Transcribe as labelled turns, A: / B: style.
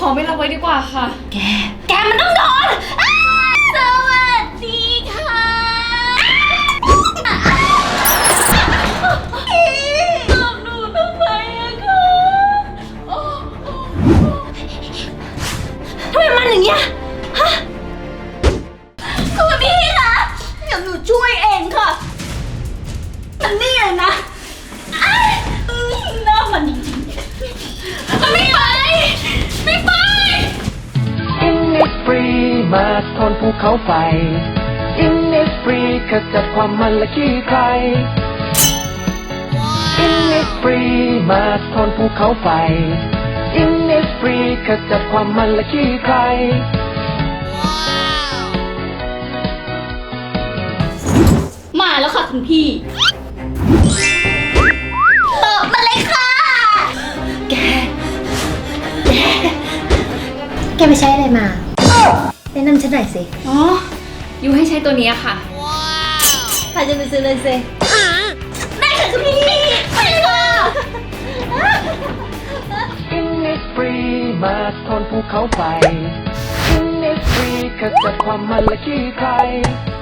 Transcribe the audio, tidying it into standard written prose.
A: ไม่รับไว้ดีกว่าค่ะ
B: แกมันต้องโดนสวัสดีค่ะตอบหนูทำไมอะคะทำไมมันอย่างเงี้ยฮะคุณพี่คะเดี๋ยวหนูช่วยเองค่ะมันนี่เลยนะน้ามันจริงๆไม่ไปไม่ไป
C: Innisfree มาทนภูเขาไฟ Innisfree ขจัดความมันและขี้ใคร Innisfree มาทนภูเขาไฟ Innisfree ขจัดความมันและขี้ใคร
B: มาแล้วค่ะคุณพี่ตอบมาเลยค่ะแกไปใช้อะไรมาแนะนำฉันหน่อยสิ
A: อ๋อยูให้ใช้ตัวนี้ค่ะ
B: พาจะไปซื้อเลยสิได้ค่ะคุณพี่ไปเลยค่ะ
C: Innisfree มาทนภูเขาไฟ Innisfree ขจัดความมันและขี้ใคร